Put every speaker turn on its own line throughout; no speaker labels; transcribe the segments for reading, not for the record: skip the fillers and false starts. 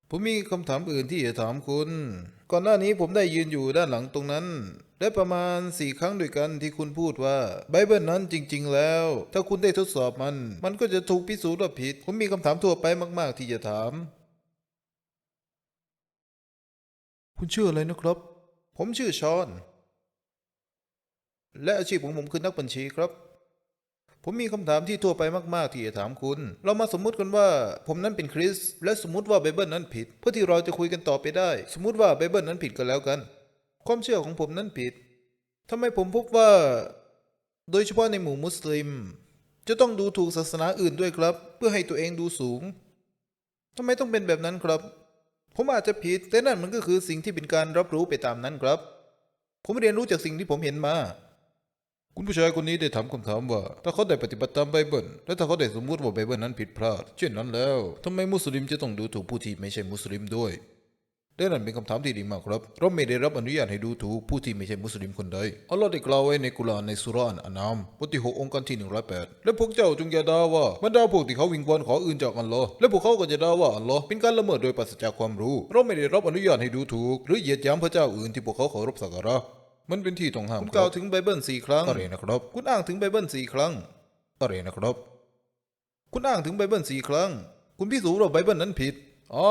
ผมมีคำถามอื่นที่จะถามคุณ ก่อนหน้านี้ผมได้ยืนอยู่ด้านหลังตรงนั้นและประมาณ4 ครั้งด้วยกันที่คุณพูดว่าไบเบิลนั้นจริงๆแล้วถ้าคุณได้ทดสอบมันก็จะถูกพิสูจน์ว่าผิด ผมมีคำถามทั่วไปมากๆที่จะถามคุณชื่ออะไรนะครับผมชื่อชอนและอาชีพของผมคือนักบัญชีครับผมมีคำถามที่ทั่วไปมากๆที่จะถามคุณเรามาสมมุติกันว่าผมนั้นเป็นคริสและสมมุติว่าไบเบิลนั้นผิดเพื่อที่เราจะคุยกันต่อไปได้สมมุติว่าไบเบิลนั้นผิดก็แล้วกันความเชื่อของผมนั้นผิดทำไมผมพบว่าโดยเฉพาะในหมู่มุสลิมจะต้องดูถูกศาสนาอื่นด้วยครับเพื่อให้ตัวเองดูสูงทำไมต้องเป็นแบบนั้นครับผมอาจจะผิดแต่นั่นมันก็คือสิ่งที่เป็นการรับรู้ไปตามนั้นครับผมเรียนรู้จากสิ่งที่ผมเห็นมา คุณผู้ชายคนนี้ได้ถามคำถามว่าถ้าเขาได้ปฏิบัติตามไบเบิลและถ้าเขาได้สมมติว่าไบเบิลนั้นผิดพลาดเช่นนั้นแล้วทำไมมุสลิมจะต้องดูถูกผู้ที่ไม่ใช่มุสลิมด้วยและนั่นเป็นคำถามที่ดีมากครับเราไม่ได้รับอนุญาตให้ดูถูกผู้ที่ไม่ใช่มุสลิมคนใดอัลลอฮ์ได้กล่าวไว้ในกุรอานในสุราะห์อันอามบทที่6องค์การที่108และพวกเจ้าจงอย่าด่าว่าบรรดาพวกที่เขาวิงวอนขออื่นจากอัลลอฮ์และพวกเขาก็จะด่าว่าอัลลอฮ์เป็นการละเมิดโดยปราศจากความรู้เราไม่ได้รับอนุญาตให้ดูถูกหรือเหยียดหยามพระเจ้าอื่นที่พวกเขาเคารพสักการะมันเป็นที่ต้องห้ามคุณกล่าวถึงไบเบิล4 ครั้งอะไรนะครับคุณอ้างถึงไบเบิล4 ครั้งอะไรนะครับคุณอ้างถึงไบเบิล4 ครั้งคุณพิสูจน์ว่าไบเบิลนั้นผิดอ๋อ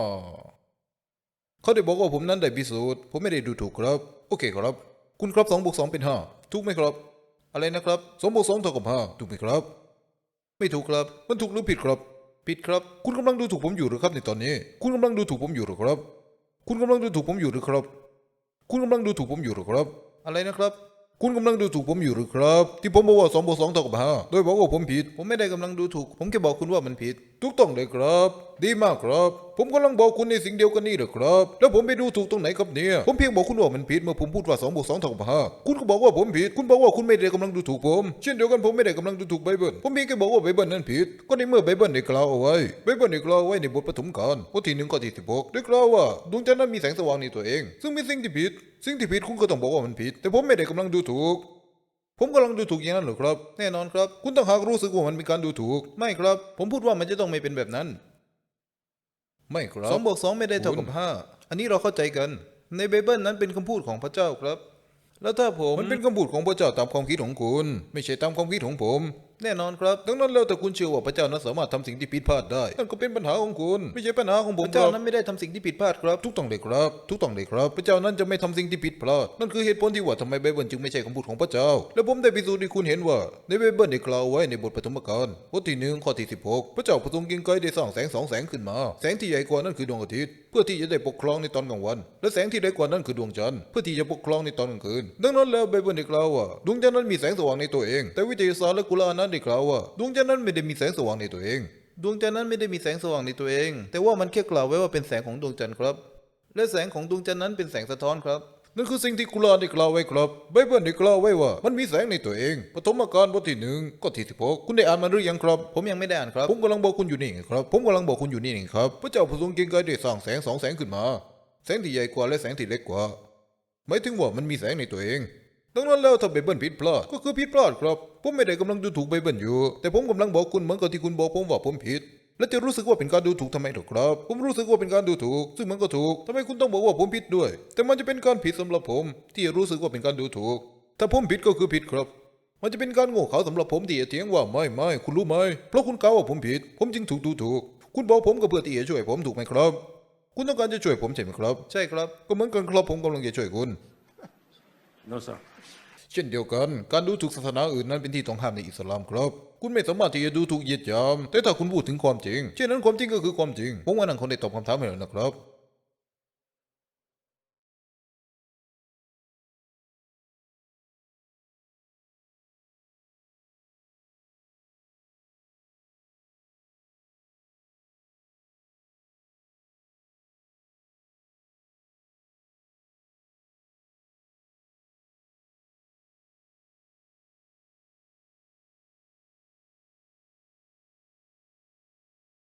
เขาได้บอกว่าผมนั้นได้พิสูจน์ผมไม่ได้ดูถูกครับโอเคครับคุณครับ2 บวก 2เป็น5ถูกไหมครับอะไรนะครับ2 บวก 2เท่ากับ5ถูกไหมครับไม่ถูกครับมันถูกหรือผิดครับผิดครับคุณกำลังดูถูกผมอยู่หรือครับในตอนนี้คุณกำลังดูถูกผมอยู่หรือครับคุณกำลังดูถูกผมอยู่หรือครับ คุณกำลังดูถูกผมอยู่หรือครับอะไรนะครับคุณกำลังดูถูกผมอยู่หรือครับที่ผมบอกว่า2 บวก 2เท่ากับ5โดยบอกว่าผมผิดผมไม่ได้กำลังดูถูกผมแค่บอกคุณว่ามันผิดถูกต้องเลยครับดีมากครับผมกำลังบอกคุณในสิ่งเดียวกันนี่เหรอครับแล้วผมไปดูถูกตรงไหนครับเนี่ยผมเพียงบอกคุณว่ามันผิดเมื่อผมพูดว่า2 บวก 2เท่ากับ5คุณก็บอกว่าผมผิดคุณบอกว่าคุณไม่ได้กำลังดูถูกผมเช่นเดียวกันผมไม่ได้กำลังดูถูกไบเบิลผมเพียงแค่บอกว่าไบเบิลนั้นผิดก็ในเมื่อไบเบิลได้กล่าวเอาไว้ไบเบิลได้กล่าวไว้ในบทปฐมกาลบทที่1ข้อที่16ได้กล่าวว่าดวงจันทร์นั้นมีแสงสว่างในตัวเองซึ่งเป็นสิ่งที่ผิด สิ่งที่ผิดคุณก็ต้องบอกว่ามันผิดแต่ผมไม่ได้กำลังดูถูกผมกำลังดูถูกอย่างนั้นเหรอครับแน่นอนครับคุณต้องหากรู้สึกว่ามันเป็นการดูถูกไม่ครับผมพูดว่ามันจะต้องไม่เป็นแบบนั้นไม่ครับ2 บวก 2ไม่ได้เท่ากับ5อันนี้เราเข้าใจกันในไบเบิลนั้นเป็นคำพูดของพระเจ้าครับแล้วถ้าผมมันเป็นคำพูดของพระเจ้าตามความคิดของคุณไม่ใช่ตามความคิดของผมแน่นอนครับดังนั้นแล้วแต่คุณเชื่อว่าพระเจ้านั้นสามารถทำสิ่งที่ผิดพลาดได้นั่นก็เป็นปัญหาของคุณไม่ใช่ปัญหาของผมพระเจ้านั้นไม่ได้ทำสิ่งที่ผิดพลาดครับทุกต้องเลยครับทุกต้องเลยครับพระเจ้านั้นจะไม่ทำสิ่งที่ผิดพลาดนั่นคือเหตุผลที่ว่าทำไมไบเบิลจึงไม่ใช่คำพูดของพระเจ้าและผมได้พิสูจน์ให้คุณเห็นว่าในไบเบิลได้กล่าวไว้ในบทปฐมกาลบทที่1ข้อที่16พระเจ้าผู้ทรงเกรียงไกรได้สร้างแสง2 แสงขึ้นมาแสงที่ใหญ่กว่านั้นคือดวงอาทิตย์เพื่อที่จะได้ปกครองในตอนกลางวันและแสงที่เล็กกว่านั้นคือดวงจันทร์เพื่อที่จะปกครองในตอนกลางคืนดังนั้นแล้วไบเบิลได้กล่าวว่าดวงจันทร์นั้นมีแสงสว่างในตัวเองแต่วิทยาศาสตร์และกุรอานนั้นได้กล่าวว่าดวงจันทร์นั้นไม่ได้มีแสงสว่างในตัวเองดวงจันทร์นั้นไม่ได้มีแสงสว่างในตัวเองแต่ว่ามันแค่กล่าวไว้ว่าเป็นแสงของดวงจันทร์ครับและแสงของดวงจันทร์นั้นเป็นแสงสะท้อนครับนั่นคือสิ่งที่กุรอานได้กล่าวไว้ครับไบเบิลได้กล่าวไว้ว่ามันมีแสงในตัวเองปฐมกาลบทที่1ข้อที่16คุณได้อ่านมันหรือยังครับผมยังไม่ได้อ่านครับผมกำลังบอกคุณอยู่นี่ไงครับผมกำลังบอกคุณอยู่นี่เองครับพระเจ้าผู้ทรงเกรียงไกรได้สร้างแสง2 แสงขึ้นมาแสงที่ใหญ่กว่าและแสงที่เล็กกว่าหมายถึงว่ามันมีแสงในตัวเองดังนั้นแล้วถ้าไบเบิลผิดพลาดก็คือผิดพลาดครับผมไม่ได้กำลังดูถูกไบเบิลอยู่แต่ผมกำลังบอกคุณเหมือนกับที่คุณบอกผมว่าผมผิดและจะรู้สึกว่าเป็นการดูถูกทำไมหรอครับผมรู้สึกว่าเป็นการดูถูกซึ่งมันก็ถูกทำไมคุณต้องบอกว่าผมผิดด้วยแต่มันจะเป็นการผิดสำหรับผมที่จะรู้สึกว่าเป็นการดูถูกถ้าผมผิดก็คือผิดครับมันจะเป็นการโง่เขลาสำหรับผมที่จะเถียงว่าไม่คุณรู้ไหมเพราะคุณกล่าวว่าผมผิดผมจึงถูกดูถูกคุณบอกผมก็เพื่อที่จะช่วยผมถูกไหมครับคุณต้องการจะช่วยผมใช่ไหมครับใช่ครับก็เหมือนกันครับผมกำลังจะช่วยคุณ
No, sir.
เช่นเดียวกันการดูถูกศาสนาอื่นนั้นเป็นที่ต้องห้ามในอิสลามครับคุณไม่สามารถที่จะดูถูกเหยียดหยามแต่ถ้าคุณพูดถึงความจริงเช่นนั้นความจริงก็คือความจริงผมว่านั่นคนได้ตอบคำถามให้แล้วนะครับ